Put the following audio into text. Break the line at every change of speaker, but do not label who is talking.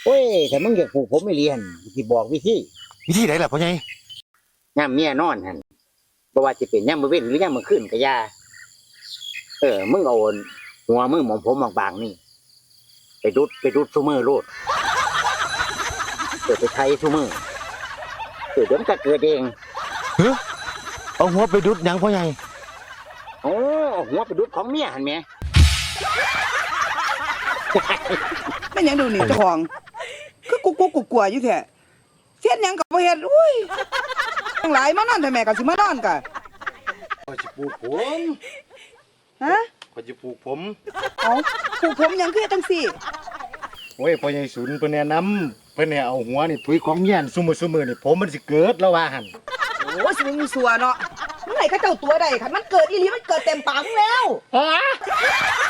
โอ้ยถ้ามึงอยากผูกผมไม่เรียนที่บอกวิธี
วิธีไหนล่ะพ่อใหญ่
ย่ำเมียนอนหันบ่ว่าจะเป็นย่ำมื้อเว้นหรือย่ำมื้อคืนก็อย่ามึงเอาหัวมึงหมองผมบางๆนี่ไปดุดซุมือโลดไปไทยซุมือเดี๋ยวมันก็เกิดเอง
เฮ้อเอาหัวไปดุดหยังพ่อใหญ่
โอ้หัวไปดุดของเมียหันแหม
แม่นหยังดูนี่เจ้าของคือกูกลัวอยู่แท้เฮ็ดหยังก็บ่เฮ็ดอุ้ยทั้งหลายมานอนแต่แม่ก็สิมานอนกะ
ข้อยสิปลูกผม
ฮะ
ข้อยสิปลูกผม
เอาผูกผมหยังคือเฮ็ดจังซี่
โอ้ยพ่อใหญ่ศูนย์เพิ่นแนะนำเพิ่นให้เอาหัวนี่ถุยของเมียนซุมื้อนี่ผมมันสิเกิดแล้วว่าหั่น
โอ้สิมึงสัวเนาะมึงให้เขาเจ้าตัวใดคันมันเกิดอีหลีมันเกิดเต็มปากมึงแล้ว
อ๋อ